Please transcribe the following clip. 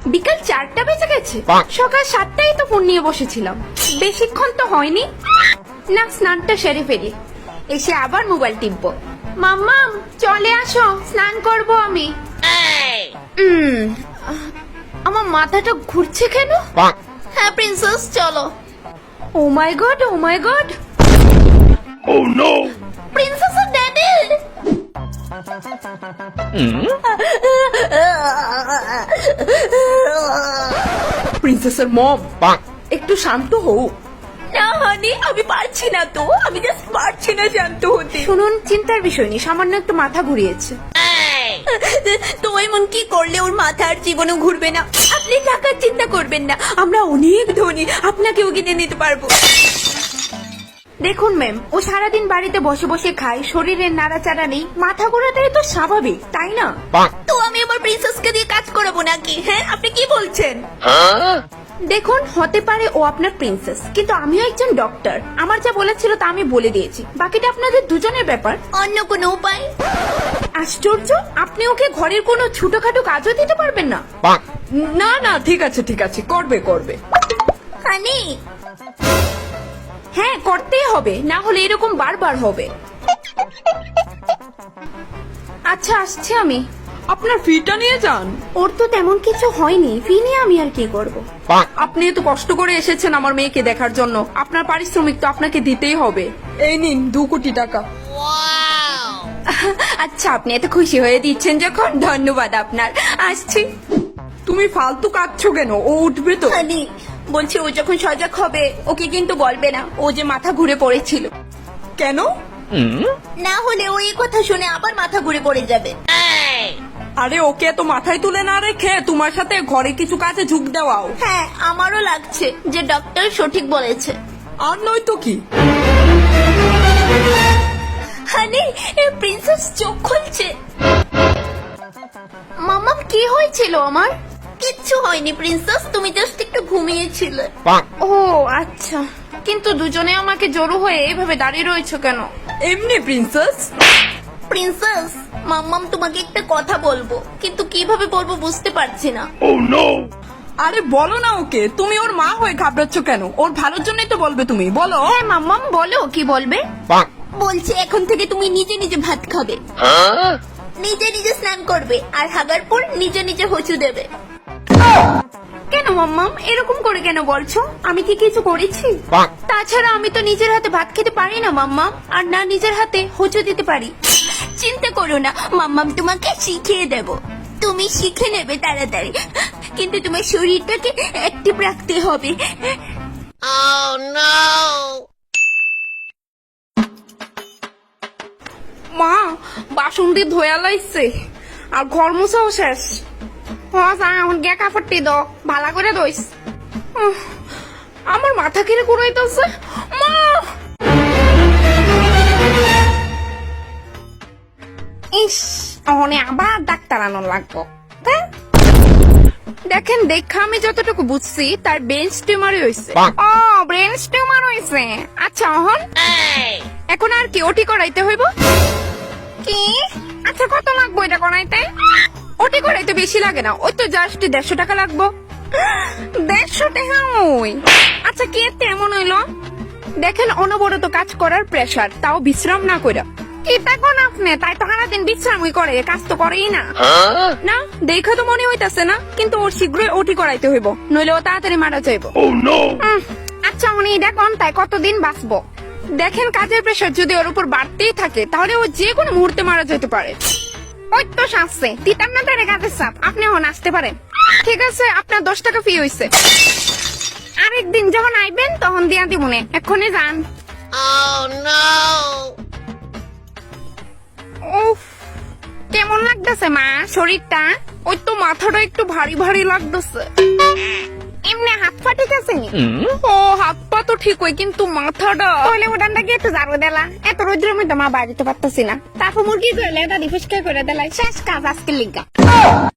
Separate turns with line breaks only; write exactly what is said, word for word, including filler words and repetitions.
বিকাল চারটা বেজে গেছে, সকাল সাতটায় তো ফোন নিয়ে বসেছিলাম, বেশিক্ষণ তো হয়নি। না, স্নানটা সেরে ফেলি, এসে আবার মোবাইল টিপবো। মাম্মাম চলে আসো, স্নান করব আমি। উম, আমার মাথাটা ঘুরছে কেন? হ্যাঁ প্রিন্সেস চলো। Oh my god, oh my god,
Oh no!
Princess daddy.
প্রিন্সেসের মম, একটু শান্ত হও।
না হানি, আমি পারছি না তো, আমি জাস্ট পারছি না শান্ত হতে। শুনুন, চিন্তার বিষয় নেই, সামান্য একটু মাথা ঘুরিয়েছে। তো এমন কি করলে ওর মাথা আর জীবনে ঘুরবে না? আপনি টাকার চিন্তা করবেন না, আমরা অনেক ধনী, আপনাকেও কিনে নিতে পারবো। দেখুন ম্যাম, ও সারাদিন বাড়িতে বসে বসে খায়, শরীরের নাড়াচাড়া নেই, মাথা ঘোরাটাই তো স্বাভাবিক, তাই না? তো আমি আমার প্রিন্সেসকে দিয়ে কাজ করাবো নাকি? হ্যাঁ, আপনি কি বলছেন? দেখুন, হতে পারে ও আপনার প্রিন্সেস, কিন্তু আমিও একজন ডক্টর, আমার যা বলেছিল তা আমি বলে দিয়েছি, বাকিটা আপনাদের দুজনের ব্যাপার। অন্য কোনো উপায়? আশ্চর্য, আপনি ওকে ঘরের কোনো ছোটখাটো কাজও দিতে পারবেন না?
না না, ঠিক আছে ঠিক আছে, করবে করবে।
হানি, হ্যাঁ করতেই হবে, না হলে এরকম বারবার হবে। আচ্ছা আসছে আমি।
আপনার ফিটা নিয়ে যান।
ওর তো তেমন কিছু হয়নি, ফি নিয়ে আমি আর কি করব?
আপনি এত কষ্ট করে এসেছেন আমার মেয়েকে দেখার জন্য, আপনার পারিশ্রমিক তো আপনাকে দিতেই হবে। এই নিন দু কোটি টাকা।
আচ্ছা, আপনি এত খুশি হয়ে দিচ্ছেন যখন, ধন্যবাদ আপনার, আসছি।
তুমি ফালতু কাঁদছো কেন? ও উঠবে তো।
হানি, বলছি ও যখন সজাগ হবে ওকে কিন্তু বলবে না ও যে মাথা ঘুরে পড়েছিল।
কেন?
না হলে ও এই কথা শুনে আবার মাথা ঘুরে পড়ে যাবে।
আরে ওকে তো মাথায় তুলে না রেখে তোমার সাথে ঘরে কিছু কাজে ঝুঁক দেওয়াও।
হ্যাঁ, আমারও লাগছে যে ডক্টর সঠিক বলেছে।
আর নয় তো কি।
হানি, প্রিন্সেস চোখ খুলছে। মামাম কি হয়েছিল আমার? কিচ্ছু হয়নি প্রিন্সেস, তুমি জাস্ট একটু ঘুমিয়েছিলে। ও আচ্ছা, কিন্তু দুজনে আমাকে জড়ো হয়ে এইভাবে দাঁড়িয়ে রয়েছে কেন?
এমনি প্রিন্সেস।
প্রিন্সেস, মাম্মাম তোমাকে একটা কথা বলবো, কিন্তু কিভাবে বলবো বুঝতে পারছি না।
Oh no!
আরে বলো না ওকে, তুমি ওর মা হয়ে ঘাবড়াচ্ছ কেন? ওর ভালোর জন্যই তো বলবে, তুমি বলো।
হ্যাঁ মাম্মাম বলো, কি বলবে? বলছে এখন থেকে তুমি নিজে নিজে ভাত খাবে, নিজে নিজে স্নান করবে, আর হাগার পর নিজে নিজে হচু দেবে। কেন মাম্মাম এরকম করে কেন বলছো? আমি কি কিছু করেছি? তাছাড়া আমি তো নিজের হাতে ভাত খেতে পারি না মাম্মাম, আর না নিজের হাতে হচু দিতে পারি। চিন্তা করো না মাম্মাম, তোমাকে শিখিয়ে দেব, তুমি শিখে নেবে তাড়াতাড়ি, কিন্তু তোমার শরীরটাকে অ্যাক্টিভ রাখতে হবে।
মা, বাসন দিয়ে ধোয়া লাইছে আর ঘর মোছাও শেষ।
এখন গে কাপড়টি দাও, ভালো করে দইস।
উহ, আমার মাথা কিরে ঘুরাইতেছে। মা,
ইস, অনে আবার ডাক্তার আনার লাগবো।
দেখেন দেখা আমি যতটুকু বুঝছি তার ব্রেন টিউমারই হয়েছে।
ও, ব্রেন টিউমার হইছে।
আচ্ছা অহন, এখন আর কি ওটি করাইতে হইব?
কি? আচ্ছা কত লাগবো এটা করাইতে?
ওটি করাইতে বেশি লাগে না, ওই তো জাস্ট দেড়শো টাকা লাগবো।
দেড়শো টাকা? ওই আচ্ছা, কি এতে এমন হইলো?
দেখেন অনবরত কাজ করার প্রেসার, তাও বিশ্রাম না কইরা।
কি দেখুন আপনি, তাই তো সারাদিন বিশ্রামই করে, কাজ তো করেই না।
না দেখা তো মনে হইতাছে না, কিন্তু ওর শীঘ্রই ওটি করাইতে হইব, নইলে ও তাড়াতাড়ি মারা যাইব।
Oh no!
উম, আচ্ছা উনি দেখুন, তাই কতদিন বাঁচবো?
দেখেন কাজের প্রেসার যদি ওর উপর বাড়তেই থাকে তাহলে ও যে কোনো মুহূর্তে মারা যেতে পারে।
ওই তো শাসছে, তিতার না তারে কাজের চাপ, আপনি এখন আসতে পারেন।
ঠিক আছে, আপনার দশ টাকা ফি হইছে।
আরেকদিন যখন আইবেন তখন দিয়া দিবনে, এক্ষুনি যান। উফ, কেমন লাগতেছে মা শরীরটা?
ওই তো মাথাটা একটু ভারী ভারী লাগতেছে।
এমনি হাত পা ঠিক আছে?
ও হাত পা তো ঠিক হয়, কিন্তু মাথাটা।
তাহলে উঠানটা গিয়ে একটু ঝাড়ু দিলা, এত রোদ্রের মধ্যে মা বাড়িতে পারতেছি না, তারপর মুরগি করলে এটা রিফ্রেশ করে দিলাই, শেষ কাজ আজকে লিগা।